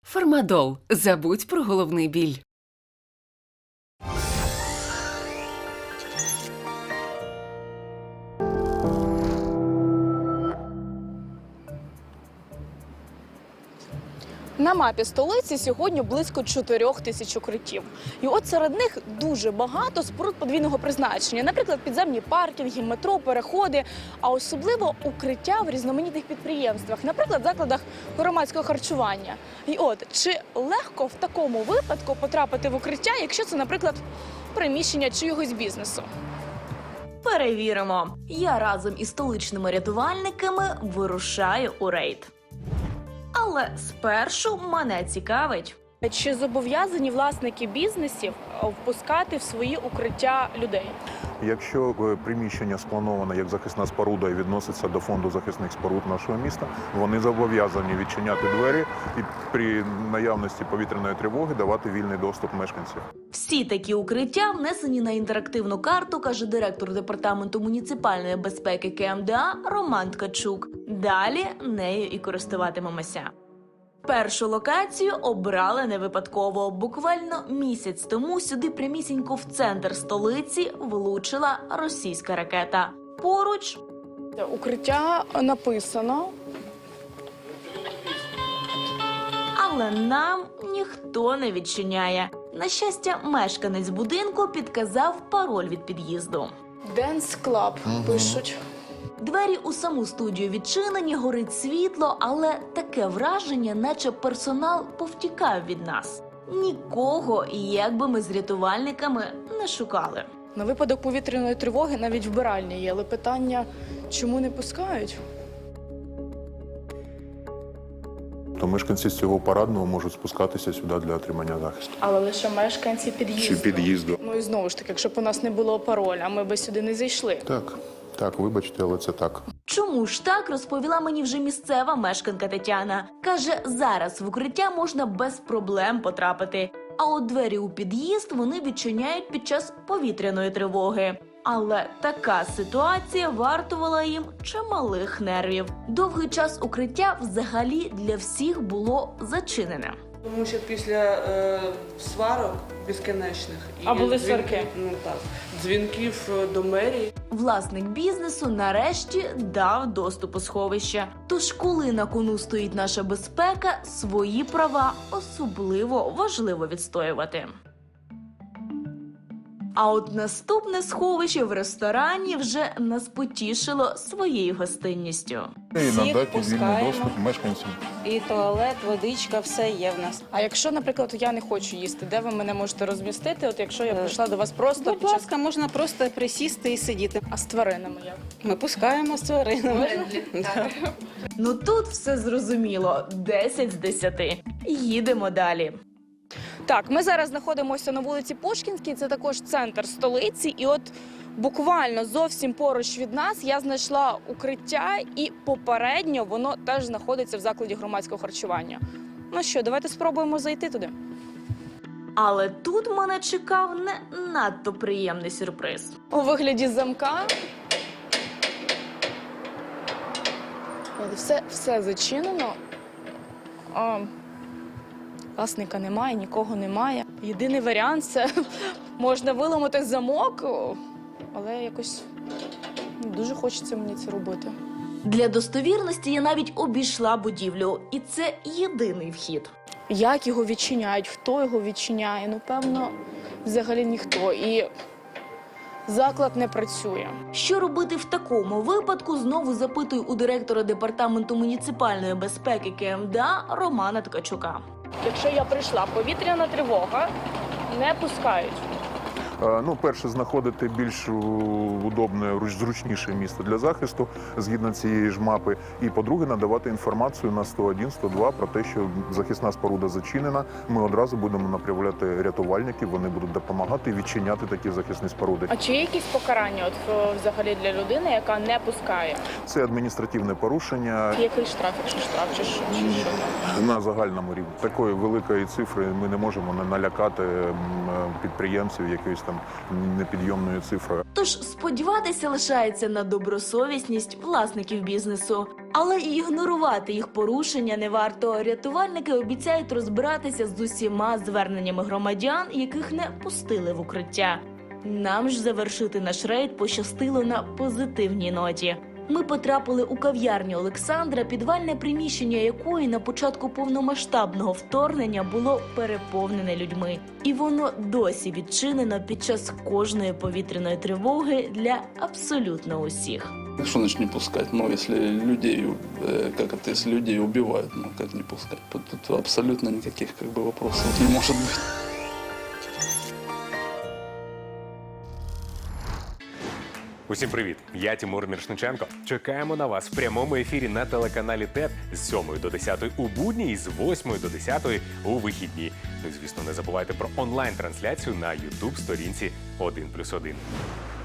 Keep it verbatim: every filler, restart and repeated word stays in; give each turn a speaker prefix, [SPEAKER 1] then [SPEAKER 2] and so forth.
[SPEAKER 1] Фармадол. Забудь про головний біль.
[SPEAKER 2] На мапі столиці сьогодні близько чотирьох тисяч укриттів. І от серед них дуже багато споруд подвійного призначення. Наприклад, підземні паркінги, метро, переходи, а особливо укриття в різноманітних підприємствах, наприклад, закладах громадського харчування. І от, чи легко в такому випадку потрапити в укриття, якщо це, наприклад, приміщення чийогось бізнесу?
[SPEAKER 3] Перевіримо. Я разом із столичними рятувальниками вирушаю у рейд. Але спершу мене цікавить.
[SPEAKER 2] Чи зобов'язані власники бізнесів впускати в свої укриття людей?
[SPEAKER 4] Якщо приміщення сплановане як захисна споруда і відноситься до фонду захисних споруд нашого міста, вони зобов'язані відчиняти двері і при наявності повітряної тривоги давати вільний доступ мешканців.
[SPEAKER 3] Всі такі укриття внесені на інтерактивну карту, каже директор департаменту муніципальної безпеки Ке Ем Де А Роман Ткачук. Далі нею і користуватимемося. Першу локацію обрали не випадково. Буквально місяць тому сюди прямісінько в центр столиці влучила російська ракета. Поруч
[SPEAKER 2] Укриття написано.
[SPEAKER 3] але нам ніхто не відчиняє. На щастя, мешканець будинку підказав пароль від під'їзду.
[SPEAKER 2] Dance Club пишуть.
[SPEAKER 3] Двері у саму студію відчинені, горить світло, але таке враження, наче персонал повтікав від нас. Нікого, як би ми з рятувальниками не шукали.
[SPEAKER 2] На випадок повітряної тривоги навіть вбиральні є, але питання, чому не пускають?
[SPEAKER 4] То мешканці з цього парадного можуть спускатися сюди для отримання захисту.
[SPEAKER 2] Але лише мешканці під'їзду.
[SPEAKER 4] Чи під'їзду.
[SPEAKER 2] Ну і знову ж таки, якщо б у нас не було пароля, ми би сюди не зайшли.
[SPEAKER 4] Так, так, вибачте, але це так.
[SPEAKER 3] Чому ж так, розповіла мені вже місцева мешканка Тетяна. Каже, зараз в укриття можна без проблем потрапити. А от двері у під'їзд вони відчиняють під час повітряної тривоги. Але така ситуація вартувала їм чималих нервів. Довгий час укриття взагалі для всіх було зачинене.
[SPEAKER 5] Тому що після е, сварок безкінечних і
[SPEAKER 2] А були
[SPEAKER 5] дзвінків,
[SPEAKER 2] сварки?
[SPEAKER 5] ну так, дзвінків до мерії.
[SPEAKER 3] Власник бізнесу нарешті дав доступ у сховище. Тож, коли на кону стоїть наша безпека, свої права особливо важливо відстоювати. А от наступне сховище в ресторані вже нас потішило своєю гостинністю.
[SPEAKER 4] І
[SPEAKER 6] Всіх
[SPEAKER 4] надати вільний
[SPEAKER 6] пускаємо.
[SPEAKER 4] доступ мешканцям.
[SPEAKER 6] І туалет, водичка, все є в нас.
[SPEAKER 2] А якщо, наприклад, я не хочу їсти, де ви мене можете розмістити? От якщо я прийшла до вас просто
[SPEAKER 6] Будь
[SPEAKER 2] під час...
[SPEAKER 6] ласка, можна просто присісти і сидіти.
[SPEAKER 2] А з тваринами як?
[SPEAKER 6] Ми пускаємо з тваринами. Да.
[SPEAKER 3] Ну тут все зрозуміло. десять з десяти. Їдемо далі.
[SPEAKER 2] Так, ми зараз знаходимося на вулиці Пушкінській, це також центр столиці. І от буквально зовсім поруч від нас я знайшла укриття, і попередньо воно теж знаходиться в закладі громадського харчування. Ну що, давайте спробуємо зайти туди.
[SPEAKER 3] Але тут мене чекав не надто приємний сюрприз.
[SPEAKER 2] У вигляді замка. От Все, все зачинено. А, власника немає, нікого немає. Єдиний варіант – це можна виламати замок, але якось не дуже хочеться мені це робити.
[SPEAKER 3] Для достовірності я навіть обійшла будівлю. І це єдиний вхід.
[SPEAKER 2] Як його відчиняють, хто його відчиняє? Ну, певно, взагалі ніхто. І заклад не працює.
[SPEAKER 3] Що робити в такому випадку, знову запитую у директора департаменту муніципальної безпеки Ке Ем Де А Романа Ткачука.
[SPEAKER 2] Якщо я прийшла, повітряна тривога, не пускають.
[SPEAKER 4] Е, Ну, перше, знаходити більш удобне, руч- зручніше місце для захисту згідно цієї ж мапи. І, по-друге, надавати інформацію на сто один, сто два про те, що захисна споруда зачинена. Ми одразу будемо направляти рятувальників, вони будуть допомагати відчиняти такі захисні споруди.
[SPEAKER 2] А чи є якісь покарання от, е, взагалі для людини, яка не пускає?
[SPEAKER 4] Це адміністративне порушення
[SPEAKER 2] Який штраф, якщо штраф, чи що? Чи що там?
[SPEAKER 4] на загальному рівні. Такої великої цифри ми не можемо не налякати м, підприємців якоюсь там непідйомною цифрою.
[SPEAKER 3] Тож сподіватися лишається на добросовісність власників бізнесу. Але і ігнорувати їх порушення не варто. Рятувальники обіцяють розбиратися з усіма зверненнями громадян, яких не пустили в укриття. Нам ж завершити наш рейд пощастило на позитивній ноті. Ми потрапили у кав'ярню Олександра, підвальне приміщення якої на початку повномасштабного вторгнення було переповнене людьми. І воно досі відчинено під час кожної повітряної тривоги для абсолютно усіх.
[SPEAKER 7] Что значит не пускать? Ну, если людей, э, как это, если людей убивают, ну, как не пускать? Тут, тут абсолютно никаких, как бы, вопросов не может быть.
[SPEAKER 8] Усім привіт! Я Тимур Міршниченко. Чекаємо на вас в прямому ефірі на телеканалі ТЕТ з сьомої до десятої у будні і з восьмої до десятої у вихідні. Ну і, звісно, не забувайте про онлайн-трансляцію на ютуб-сторінці один плюс один.